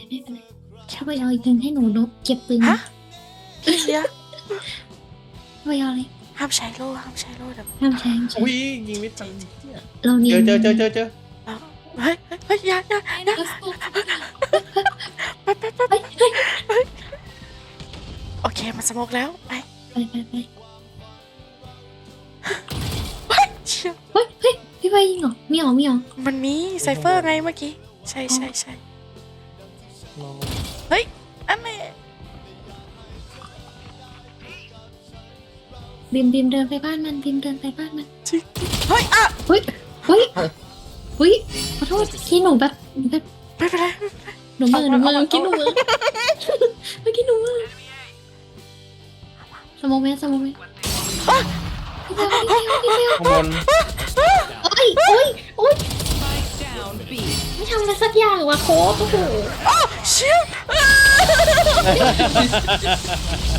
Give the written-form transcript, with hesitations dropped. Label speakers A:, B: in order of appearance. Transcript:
A: ไม่เป็นไรถ้าไปเอาอีกหนึ่งให้หนูนกเก็บปืน
B: ฮะเดี๋ยว
A: ไปเอาเลย
B: ห้ามใช้โล่ห้ามใช้โล่เดี๋ยว
A: ห้ามใช้ห้ามใช้
C: อุ้ยยิงไม่ทัน
A: เราเนี
C: เจ
A: ย
C: อน เจอ
B: เฮ้ยเฮ้ยอย่าโอเคมันสโมกแล้วไป
A: ไป
B: เชี่ย
A: เฮ้ยพี่ไปยิงเหรอมีเหรอ
B: มันมีไซเฟอร์ไงเมื่อกี้ใช่เฮ้ยอันนี้
A: บิมเดินไปบ้านมันบิมเดินไปบ้านมัน
B: จริงเฮ้ยอ่ะ
A: เฮ้ยขอโทษที่หนูแบบ
B: ไม่เป็นไร
A: หนูมือเมื่อกี้หนูมือสมองไหมพี่เบล
C: ข้างบน
A: โอ๊ยไม่ทำอะไรสักอย่างวะโค้ชโอ้โห
B: เชี่ย